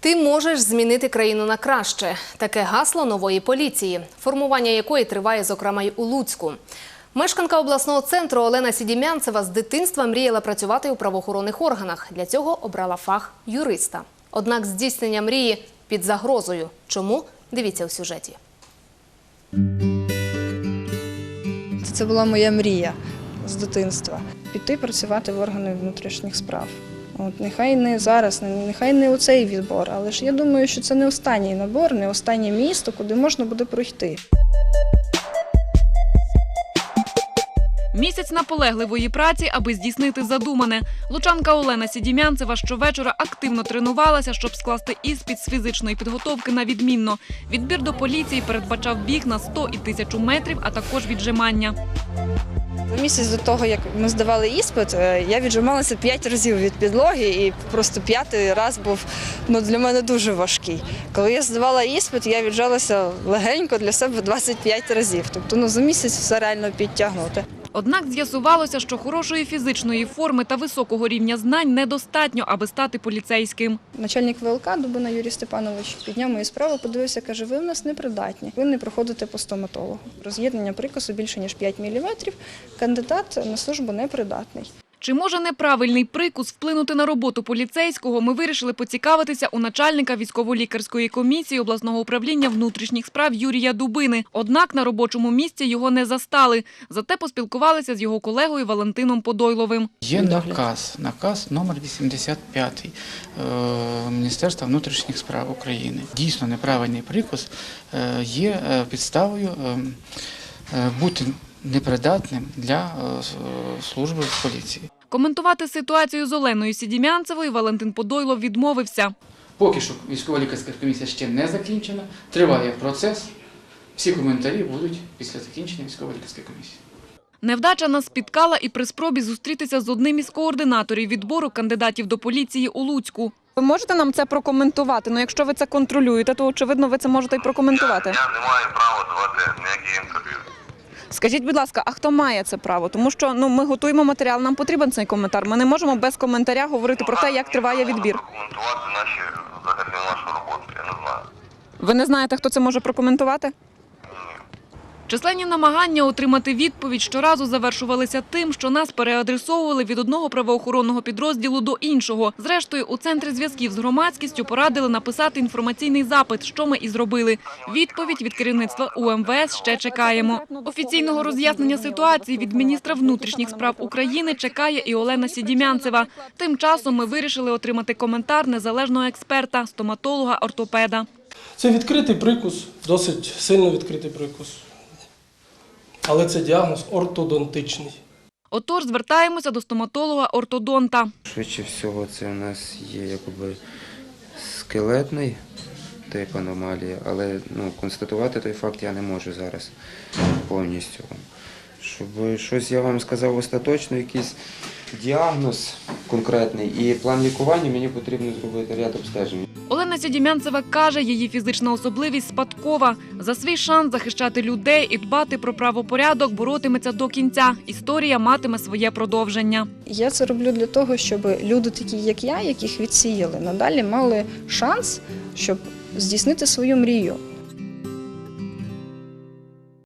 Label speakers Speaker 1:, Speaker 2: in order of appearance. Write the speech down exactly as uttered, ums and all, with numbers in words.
Speaker 1: Ти можеш змінити країну на краще. Таке гасло нової поліції, формування якої триває, зокрема, й у Луцьку. Мешканка обласного центру Олена Сідімянцева з дитинства мріяла працювати у правоохоронних органах. Для цього обрала фах юриста. Однак здійснення мрії під загрозою. Чому? Дивіться у сюжеті.
Speaker 2: Це була моя мрія з дитинства – піти працювати в органи внутрішніх справ. От, нехай не зараз, нехай не у цей відбор, але ж я думаю, що це не останній набор, не останнє місто, куди можна буде пройти.
Speaker 3: Місяць наполегливої праці, аби здійснити задумане. Лучанка Олена Сідімянцева щовечора активно тренувалася, щоб скласти іспит з фізичної підготовки на відмінно. Відбір до поліції передбачав біг на сто і тисячу метрів, а також віджимання.
Speaker 2: За місяць до того, як ми здавали іспит, я віджималася п'ять разів від підлоги, і просто п'ятий раз був ну, для мене дуже важкий. Коли я здавала іспит, я віджалася легенько для себе двадцять п'ять разів. Тобто ну, за місяць все реально підтягнути.
Speaker 3: Однак з'ясувалося, що хорошої фізичної форми та високого рівня знань недостатньо, аби стати поліцейським.
Speaker 2: Начальник ВЛК Дубина Юрій Степанович підняв мою справу, подивився, каже, ви в нас непридатні, ви не проходите по стоматологу. Роз'єднання прикусу більше, ніж п'ять міліметрів, кандидат на службу непридатний.
Speaker 3: Чи може неправильний прикус вплинути на роботу поліцейського, ми вирішили поцікавитися у начальника військово-лікарської комісії обласного управління внутрішніх справ Юрія Дубини. Однак на робочому місці його не застали. Зате поспілкувалися з його колегою Валентином Подойловим.
Speaker 4: Є наказ, наказ номер вісімдесят п'ятий Міністерства внутрішніх справ України. Дійсно, неправильний прикус є підставою бути непридатним для служби в поліції.
Speaker 3: Коментувати ситуацію з Оленою Сідімянцевою Валентин Подойлов відмовився.
Speaker 4: Поки що військово-лікарська комісія ще не закінчена, триває процес. Всі коментарі будуть після закінчення військово-лікарської комісії.
Speaker 3: Невдача нас спіткала і при спробі зустрітися з одним із координаторів відбору кандидатів до поліції у Луцьку. Ви можете нам це прокоментувати? Ну, якщо ви це контролюєте, то, очевидно, ви це можете і прокоментувати.
Speaker 5: Я, я не маю права давати ніякі інтерв'ю.
Speaker 3: Скажіть, будь ласка, а хто має це право? Тому що ну, ми готуємо матеріал, нам потрібен цей коментар. Ми не можемо без коментаря говорити про те, як триває відбір.
Speaker 5: Прокоментувати наші, взагалі, нашу роботу, я не знаю.
Speaker 3: Ви не знаєте, хто це може прокоментувати? Численні намагання отримати відповідь щоразу завершувалися тим, що нас переадресовували від одного правоохоронного підрозділу до іншого. Зрештою, у Центрі зв'язків з громадськістю порадили написати інформаційний запит, що ми і зробили. Відповідь від керівництва У Ем Ве Ес ще чекаємо. Офіційного роз'яснення ситуації від міністра внутрішніх справ України чекає і Олена Сідімянцева. Тим часом ми вирішили отримати коментар незалежного експерта, стоматолога-ортопеда.
Speaker 6: Це відкритий прикус, досить сильно відкритий прикус. Але це діагноз ортодонтичний.
Speaker 3: Отож, звертаємося до стоматолога-ортодонта.
Speaker 7: Швидше всього, це у нас є якби скелетний тип аномалії, але ну, констатувати той факт я не можу зараз повністю. Щоб щось я вам сказав остаточно, якийсь діагноз конкретний і план лікування, мені потрібно зробити ряд обстежень.
Speaker 3: Олена Сідімянцева каже, її фізична особливість спадкова. За свій шанс захищати людей і дбати про правопорядок боротиметься до кінця. Історія матиме своє продовження.
Speaker 2: Я це роблю для того, щоб люди такі, як я, яких відсіяли, надалі мали шанс, щоб здійснити свою мрію.